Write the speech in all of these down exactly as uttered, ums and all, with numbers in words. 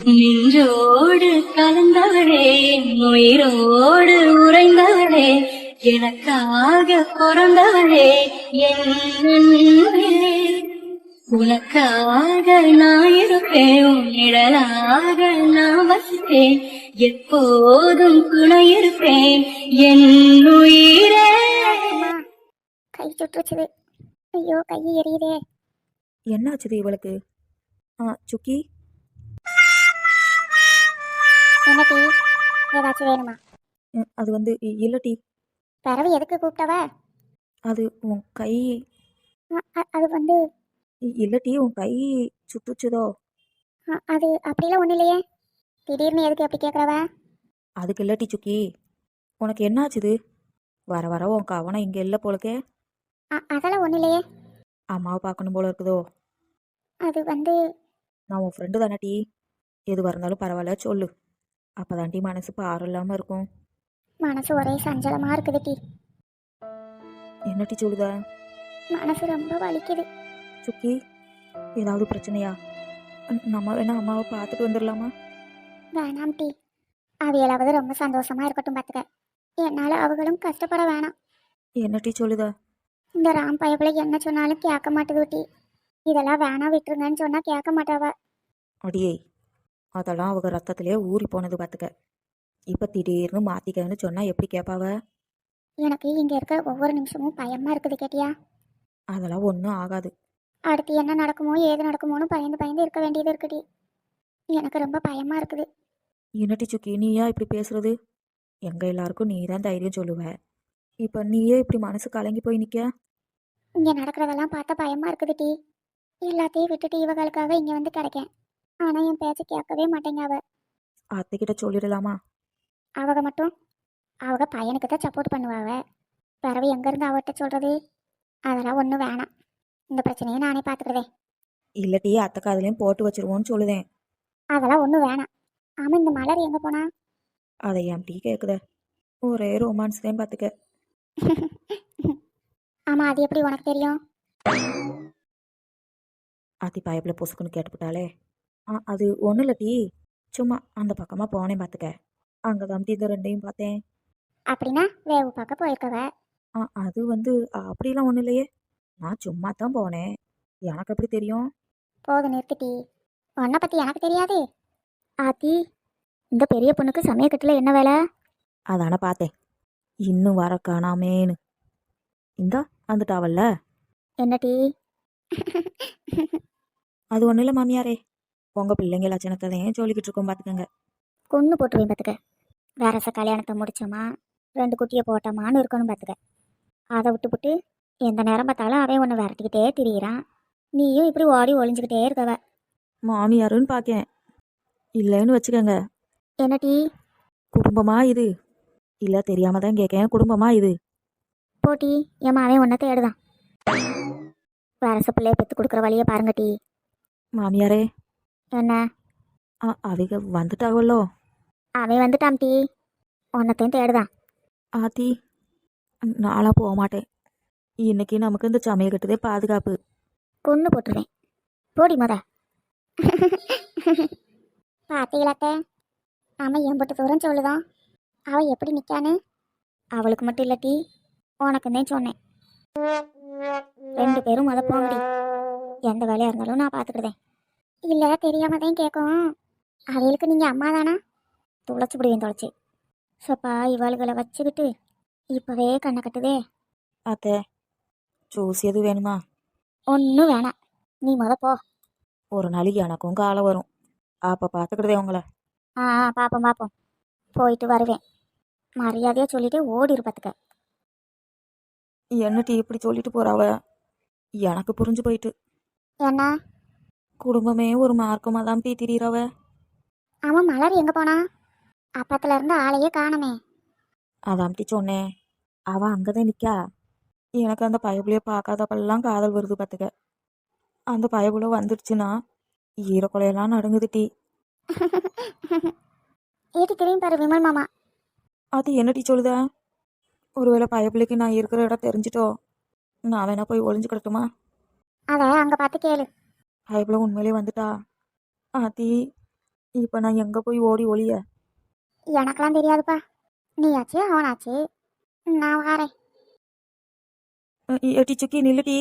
நின்றோடு கலந்தவளே, உயிரோடு உறைந்தவளே, எனக்காக பிறந்தவளே, என் அன்பே. உனக்காக நான் இருப்பேன், உன் நிழலாக நான் வசிப்பேன், எப்போதும் துணை இருப்பேன் என் உயிரே. கை சுட்டுச்சுது. ஐயோ, கை எரியுதே. என்னாச்சுது இவளுக்கு? ஆ சுக்கி, என்ன டீ? ஏதாச்சும் வேணுமா? ம், அது வந்து இ- இல்ல டீ. பிறவு எதுக்கு கூப்பிட்டவ? அது உன் கை. அ- அ- அது வந்து இ- இல்ல டீ, உன் கை சுட்டுச்சுதோ? அ- அது அப்படிலாம் ஒன்றும் இல்லையே. திடீர்னு எதுக்கு எப்படி கேட்குறவ? அதுக்கு இல்ல டீ சுக்கி, உனக்கு என்னாச்சுது? வர வர உன் கவனம் இங்கே இல்லை போலக்கே. அதெல்லாம் ஒன்றும் இல்லையே. அம்மாவை பார்க்கணும் போல இருக்குதோ? அது வந்து நான் உன் ஃப்ரெண்டு தானே டீ, எதுவாக இருந்தாலும் பரவாயில்ல சொல்லு, அப்போ தான் டீ மனசு பாரம் இல்லாமல் இருக்கும். மனசு ஒரே சஞ்சலமாக இருக்குது டீ. என்ன டீ சொல்லுத? மனசு ரொம்ப வலிக்குது. சுக்கி, ஏதாவது பிரச்சனையா? ம், நம்ம வேணா அம்மாவை பார்த்துட்டு வந்துடலாமா? வேணாம் டீ. அவையளாவது ரொம்ப சந்தோஷமா இருக்கட்டும் பார்த்துக்க. என்னால் அவங்களும் கஷ்டப்பட வேணாம். என்ன டீ சொல்லுத? இந்த ராம் பயப்பில் என்ன சொன்னாலும் கேட்க மாட்டுது டீ. இதெல்லாம் வேணாம் விட்டுருங்கன்னு சொன்னால் கேட்க மாட்டாவ. அடியே, அதெல்லாம் அவங்க ரத்தத்திலே ஊறி போனது பார்த்துக்க. இப்போ திடீர்னு மாற்றிக்கன்னு சொன்னால் எப்படி கேட்பாவ? எனக்கு இங்கே இருக்கிற ஒவ்வொரு நிமிஷமும் பயமாக இருக்குது கேட்டியா? அதெல்லாம் ஒன்றும் ஆகாது. அடுத்து என்ன நடக்குமோ ஏது நடக்குமோன்னு பயந்து பயந்து இருக்க வேண்டியது இருக்குடி. எனக்கு ரொம்ப பயமாக இருக்குது. என்னட்டி சுக்கி, நீயா இப்படி பேசுறது? எங்கள் எல்லாருக்கும் நீ தான் தைரியம் சொல்லுவ, இப்போ நீயே இப்படி மனசு கலங்கி போய் நிற்க. இங்கே நடக்கிறதெல்லாம் பார்த்தா பயமாக இருக்குது டீ. எல்லாத்தையும் விட்டுட்டு இவகளுக்காக இங்கே வந்து கிடைக்கேன். ஆனால் என் பேச்சு கேட்கவே மாட்டேங்க அவ. அத்தைக்கிட்ட சொல்லிடலாமா? அவங்க மட்டும் அவங்க பையனுக்கு தான் சப்போர்ட் பண்ணுவாவ. பிறவு எங்கேருந்து அவர்கிட்ட சொல்கிறது? அதெல்லாம் ஒன்றும் வேணாம். இந்த பிரச்சனையை நானே பார்த்துக்கிறதே. இல்லட்டி அத்தை காதுலையும் போட்டு வச்சிருவோன்னு சொல்லுதேன். அதெல்லாம் ஒன்றும் வேணாம். ஆமாம், இந்த மலர் எங்கே போனா? அதை என் டீ கேட்குத, ஒரே ரொமான்ஸ் தான் பார்த்துக்க. ஆமாம், அது எப்படி உனக்கு தெரியும்? அத்தி பயப்பில் பொசுக்குன்னு கேட்டுவிட்டாலே. ஆ அது ஒன்றும் இல்லை டீ, சும்மா அந்த பக்கமாக போனேன் பார்த்துக்க. அங்கே தான் டீ இந்த ரெண்டையும் பார்த்தேன். அப்படின்னா வேவு பார்க்க போயிருக்கவ. ஆ அது வந்து அப்படிலாம் ஒன்றும் இல்லையே, நான் சும்மா தான் போனேன், எனக்கு எப்படி தெரியும்? போது நிறுத்திட்டி. உன்னை பற்றி எனக்கு தெரியாது. ஆத்தி, இந்த பெரிய பொண்ணுக்கு சமயக்கட்டில் என்ன வேலை? அதானே பார்த்தேன், இன்னும் வர காணாமேன்னு. இந்தா வந்துட்டாவல்ல. என்ன டீ? அது ஒன்றும் இல்லை மாமியாரே, உங்கள் பிள்ளைங்க லட்சணத்தையும் சொல்லிக்கிட்டு இருக்கோம் பார்த்துக்கங்க. கொன்று போட்டுருவேன் பார்த்துக்க. வேறச கல்யாணத்தை முடிச்சோமா ரெண்டு குட்டியை போட்டோமான்னு இருக்கணும் பார்த்துக்க. அதை விட்டுப்புட்டு எந்த நேரம் பார்த்தாலும் அவன் ஒன்று விரட்டிக்கிட்டே திரியிறான். நீயும் இப்படி ஓடி ஒளிஞ்சுக்கிட்டே இருக்கவ. மாமியாருன்னு பார்க்கேன், இல்லைன்னு வச்சுக்கோங்க. என்ன டீ? குடும்பமா இது? இல்லை தெரியாம தான் கேட்கேன், குடும்பமா இது? போட்டி என் மாவன் ஒன்றை தேடுதான். வேறச பிள்ளைய பெற்று கொடுக்குற வழியை பாருங்க டீ. மாமியாரே, என்ன? ஆ அவங்க வந்துட்டாவல்லோ? அவன் வந்துட்டான் டீ, ஒன்னத்தையும் தேடுதான். ஆத்தி, நாளாக போக மாட்டேன், இன்னைக்கு நமக்கு இந்த சமையல் கட்டுதே பாதுகாப்பு. கொன்று போட்டுருவேன், போடி முத. பார்த்தீங்களாத்த, நாம எம்பட்டு தூரம் சொல்லுதோம், அவள் எப்படி நிற்கான்னு. அவளுக்கு மட்டும் இல்லை டீ, உனக்குந்தேன் சொன்னேன். ரெண்டு பேரும் முத போங்கடி, எந்த வேலையாக இருந்தாலும் நான் பார்த்துக்கிடுதேன். இல்லை தெரியாம தான் கேட்கும். அவளுக்கு நீங்கள் அம்மா தானா? துளைச்சி விடுவேன் தொலைச்சி. சப்பா இவாளுகளை வச்சுக்கிட்டு இப்போவே கண்ணை கட்டுதே. அத்தை, ஜூஸ் எது வேணுமா? ஒன்றும் வேணாம், நீ முத போ. ஒரு நாளைக்கு எனக்கும் காலம் வரும், அப்போ பார்த்துக்கிட்டதே உங்களை. ஆ ஆ, பார்ப்போம் பார்ப்போம், போயிட்டு வருவேன். மரியாதையாக சொல்லிட்டு ஓடி இருப்பதுக்க. என்ன டீ இப்படி சொல்லிட்டு போறாவ? எனக்கு புரிஞ்சு போயிட்டு, என்ன? குடும்பமே ஒரு மார்க்கமாக தான் டீ திரியிறவ. அவன் மலர் எங்கே போனா? அப்பத்துல இருந்து ஆளையே காணமே. அதான் டீ சொன்னேன், அவள் அங்கே தான் நிற்கா. எனக்கு அந்த பயபுலையை பார்க்காதப்பெல்லாம் காதல் வருது பார்த்துக்க. அந்த பயபுல வந்துடுச்சுன்னா ஈரக்குலையெல்லாம் நடுங்குது டீ. ஏட்டி திரும்பி பாரு விமல் மாமா. அது என்ன டீ சொல்லுத? ஒருவேளை பயபிள்ளைக்கு நான் இருக்கிற இடம் தெரிஞ்சிட்டோ, நான் வேணா போய் ஒளிஞ்சு கிடட்டுமா? அதை அங்கே பார்த்து கேளு. பயபிள்ள உண்மையிலே வந்துட்டா ஆத்தி, இப்போ நான் எங்கே போய் ஓடி ஒளிய? எனக்கெல்லாம் தெரியாதுப்பா. நீயாச்சு அவனாச்சு, நான் வாரேன். அ, ஏட்டி சுக்கி நில்லுடி.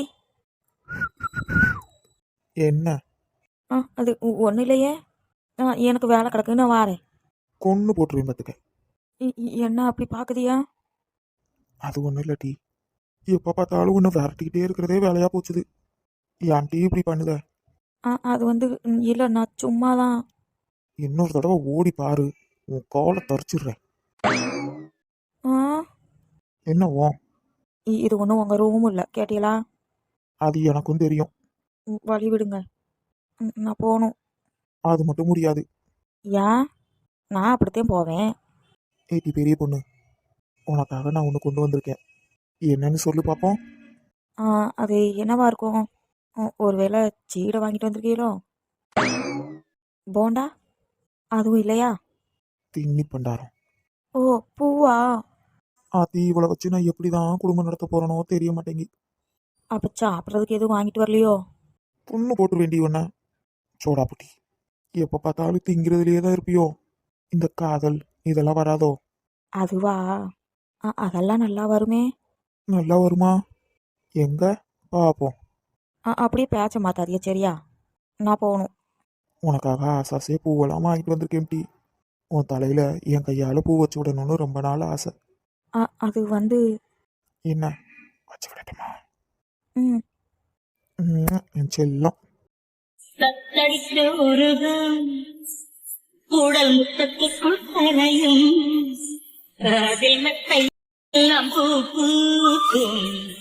என்ன ஆ அது ஒன்றும் இல்லையே. ஆ எனக்கு வேலை கிடக்கு, நான் வாரேன். கொன்று போட்டுருவேன் பார்த்துக்க. இ- இ- என்ன அப்படி பார்க்குதியா? அது ஒன்றும் இல்லை டீ. எப்போ பார்த்தாலும் ஒன்று விரட்டிக்கிட்டே இருக்கிறதே வேலையாக போச்சுது. ஏன் டீ இப்படி பண்ணுத? ஆ அது வந்து இல்லை, நான் சும்மா தான். இன்னொரு தடவை ஓடி பாரு, உன் காலை தரிச்சிடுறேன். ஆ என்ன ஓ? இ- இது ஒன்றும் உங்கள் ரூமும் இல்லை, கேட்டீங்களா? அது எனக்கும் தெரியும். ம், வழி விடுங்க. ம், நான் போகணும். அது மட்டும் முடியாது. ஏன்? நான் அப்படித்தான் போவேன். ஏட்டி பெரிய பொண்ணு, உனக்காக நான் ஒன்று கொண்டு வந்திருக்கேன். என்னன்னு சொல்லு பார்ப்போம். ஆ அது என்னவா இருக்கும்? ஒ- ஒருவேளை சீடை வாங்கிட்டு வந்திருக்கீங்களோ? போண்டா? அதுவும் இல்லையா? தின்னி பண்டாரம். ஓ, பூவா? அது இவளை வச்சு நான் எப்படி தான் குடும்பம் நடத்த போறேனோ தெரிய மாட்டேங்கி. அப்போ சாப்பிட்றதுக்கு எதுவும் வாங்கிட்டு வரலையோ? பொண்ணு போட்டு வேண்டி ஒன்ன சோடா புட்டி. எப்போ பார்த்தாலும் திங்கிறதுலையே தான் இருப்பியோ. இந்த காதல் இதெல்லாம் வராதோ? அதுவா? ஆ அதெல்லாம் நல்லா வருமே. நல்லா வருமா? எங்க பார்ப்போம். ஆ அப்படியே பேச்ச மாத்தாதிய, சரியா? நான் போகணும். உனக்காக ஆசாசே பூவெல்லாம் வாங்கிட்டு வந்திருக்கேன் டீ. உன் தலையில என் கையால பூ வச்சு விடணும்னு ரொம்ப நாள் ஆசை. ஆ அது வந்து என்ன வச்சு விடட்டுமா? ம் ம், என் செல்லம். தத்தளித்து உருகும் உடல் முத்தத்துக்குள் கரையும் அதில் மெத்தை எல்லாம் பூ பூக்கும்.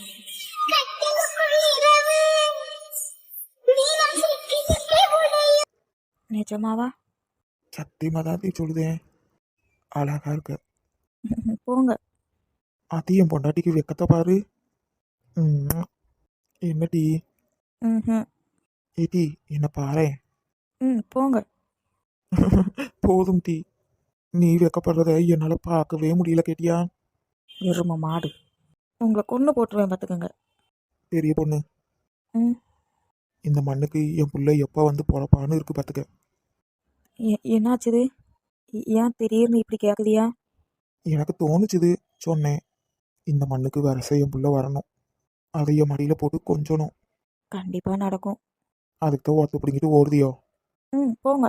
நிஜமாவா? சத்தியமா தான் டீ சொல்லுதேன். அழகா இருக்க. போங்க. அது என் பொண்டாட்டிக்கு வெக்கத்தை பாரு. ம், என்ன டீ? ம் ஏ டீ, என்ன பாரேன். ம் போங்க. போதும் டீ. நீ வெக்கப்படுறத என்னால் பார்க்கவே முடியல கேட்டியா? எரும மாடு, உங்களை கொன்று போட்டுருவேன் பார்த்துக்கோங்க. பெரிய பொண்ணு, ம் இந்த மண்ணுக்கு என் புள்ள எப்போ வந்து பொழப்பான்னு இருக்கு பார்த்துக்க. எ- என்னாச்சுது? ஏ- ஏன் திடீர்னு இப்படி கேட்குதியா? எனக்கு தோணுச்சுது, சொன்னேன். இந்த மண்ணுக்கு வரச என் புள்ள வரணும். அதை என் மடியில் போட்டு கொஞ்சணும். கண்டிப்பாக நடக்கும். அதுக்கு தான் ஒருத்த பிடிங்கிட்டு ஓடுதியோ? ம் போங்க.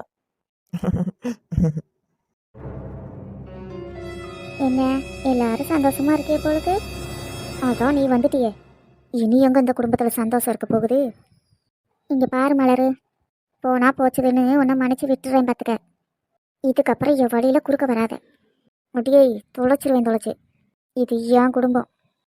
என்ன, எல்லாரும் சந்தோஷமா இருக்கே போலுக்கு. அதான் நீ வந்துட்டியே. இனி எங்க இந்த குடும்பத்தில் சந்தோஷம் இருக்க போகுது? இங்கே பாரு மலரு, போனா போச்சுதுன்னு உன்னை மன்னிச்சு விட்டுறேன் பார்த்துக்க. இதுக்கப்புறம் என் வழியில குறுக்க வராத. முடியே தொலைச்சிருவேன் தொலைச்சு. இது என் குடும்பம்.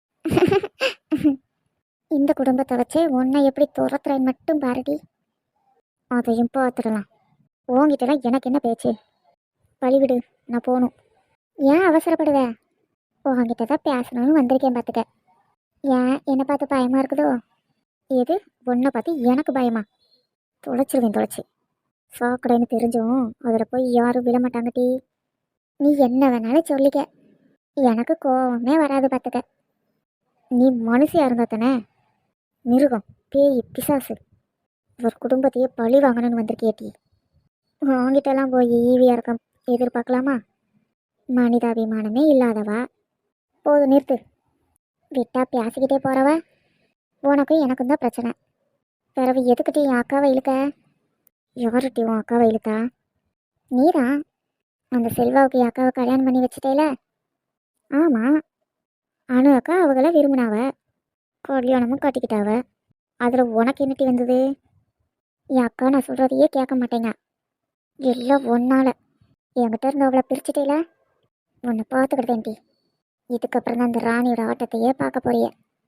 இந்த குடும்பத்தை வச்சு உன்னை எப்படி துரத்துறேன் மட்டும் பாருடி. அதையும் பார்த்துடலாம். உங்ககிட்டலாம் எனக்கு என்ன பேச்சு? வழிவிடு, நான் போகணும். ஏன் அவசரப்படுவ? உங்ககிட்ட தான் பேசணும்னு வந்திருக்கேன் பார்த்துக்க. ஏன் என்னை பார்த்து பயமா இருக்குதோ? எது, உன்னை பார்த்து எனக்கு பயமா? தொலைச்சிருவேன் தொலைச்சி. சாக்கடைன்னு தெரிஞ்சும் அதில் போய் யாரும் விட மாட்டாங்க டீ. நீ என்ன வேணாலும் சொல்லிக்க, எனக்கு கோவமே வராது பார்த்துக்க. நீ மனுஷியா இருந்தா தானே? மிருகம், பேய், பிசாசு, ஒரு குடும்பத்தையே பழி வாங்கணும்னு வந்திருக்கிய டீ. உங்ககிட்டலாம் போய் ஈவியா இருக்க எதிர்பார்க்கலாமா? மனிதாபிமானமே இல்லாதவா. போது நிறுத்து. விட்டா பேசிக்கிட்டே போறவ. உனக்கும் எனக்கும் தான் பிரச்சனை. பிறகு எதுக்கிட்டே என் அக்காவை இழுக்க? யாருட்டி உன் அக்காவை இழுத்தா? நீதான். அந்த செல்வாவுக்கு என் அக்காவை கல்யாணம் பண்ணி வச்சுட்டேல? ஆமாம். அனு அக்கா அவங்கள விரும்பினாவ, கல்யாணமும் கட்டிக்கிட்டாவ. அதில் உனக்கு என்னட்டி வந்தது? என் அக்கா நான் சொல்கிறதையே கேட்க மாட்டேங்க. எல்லாம் ஒன்னால என்கிட்ட இருந்து அவளை பிரிச்சுட்டேல. உன்னை பார்த்துக்கிட்டேன்டி. இதுக்கப்புறம் தான் அந்த ராணியோட ஆட்டத்தையே பார்க்க போறிய.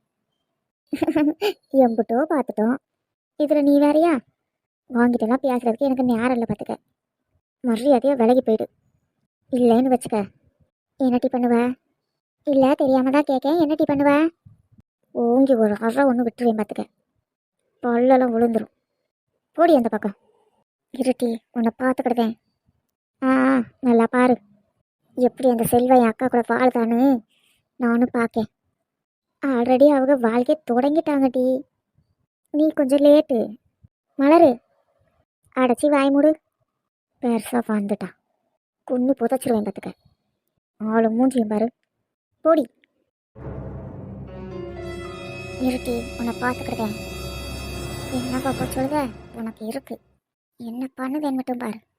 எம்பிட்டோ பார்த்துட்டோம், இதில் நீ வேறையா? வாங்கிட்டெல்லாம் பேசுறதுக்கு எனக்கு நேரம் இல்லை பார்த்துக்க. மரியாதையாக விலகி போயிடு. இல்லைன்னு வச்சுக்க. என்னட்டி பண்ணுவ? இல்லை தெரியாம தான் கேட்க. என்னட்டி பண்ணுவ? ஓங்கி ஒரு அறை ஒன்று விட்டுருவேன் பார்த்துக்க. பல்லெல்லாம் விழுந்துரும். போடி அந்த பக்கம். இருட்டி, உன்னை பார்த்துக்கிடுதேன். ஆ ஆ, நல்லா பாரு எப்படி அந்த செல்வா என் அக்கா கூட வாழ்தான்னு நானும் பார்க்கேன். ஆல்ரெடி அவங்க வாழ்க்கை தொடங்கிட்டாங்க டி. நீ கொஞ்சம் லேட்டு. மலரு, அடைச்சி வாய் மூடு. பெருசாக வந்துட்டான். கொன்று புதைச்சிருவேன் பார்த்துக்க. ஆளு மூஞ்சியும் பாரு. போடி இருட்டி, உன்னை பார்த்துக்கிட்டேன். என்ன பாப்பா சொல்லுத? உனக்கு இருக்கு. என்ன பண்ணுவேன் மட்டும் பாரு.